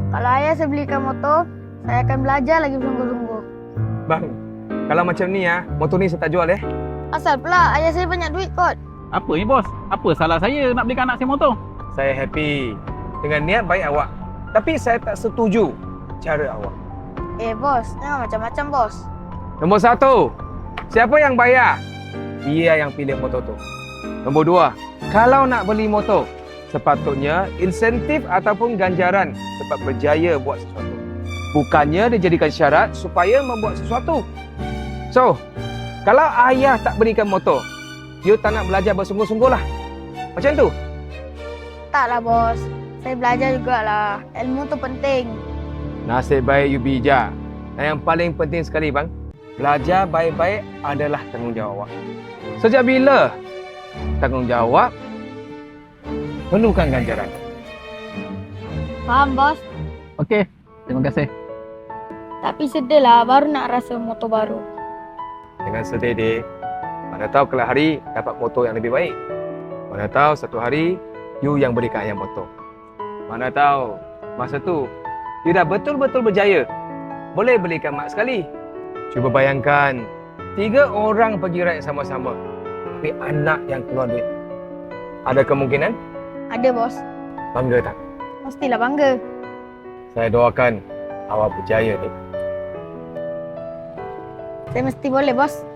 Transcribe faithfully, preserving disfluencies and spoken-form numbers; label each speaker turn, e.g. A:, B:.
A: Kalau ayah saya belikan motor, saya akan belajar lagi bersungguh-sungguh.
B: Bang, kalau macam ni ya, motor ni saya tak jual eh.
A: Asal pula ayah saya banyak duit kot.
C: Apa ni bos? Apa salah saya nak belikan anak saya motor?
B: Saya happy dengan niat baik awak. Tapi saya tak setuju cara awak.
A: Eh bos, jangan macam-macam bos.
B: Nombor satu, siapa yang bayar? Dia yang pilih motor tu. Nombor dua, kalau nak beli motor, sepatutnya insentif ataupun ganjaran sebab berjaya buat sesuatu. Bukannya dijadikan syarat supaya membuat sesuatu. So, kalau ayah tak berikan motor, you tak nak belajar bersungguh-sungguh lah. Macam tu.
A: Taklah bos, saya belajar jugalah. Ilmu tu penting.
B: Nasib baik you bijak. Dan yang paling penting sekali bang, belajar baik-baik adalah tanggungjawab awak. Sejak bila tanggungjawab perlukan ganjaran?
A: Faham bos?
C: Okey, terima kasih.
A: Tapi sedih lah baru nak rasa motor baru.
B: Jangan sedih dek. Mana tahu kelak hari dapat motor yang lebih baik. Mana tahu satu hari you yang berikan ayah motor. Mana tahu masa tu you dah betul-betul berjaya. Boleh belikan mak sekali. Cuba bayangkan, tiga orang pergi ride sama-sama. Tapi anak yang keluar duit. Ada kemungkinan?
A: Ada bos.
B: Bangga tak?
A: Mestilah bangga.
B: Saya doakan awak berjaya dek.
A: Saya mesti boleh bos.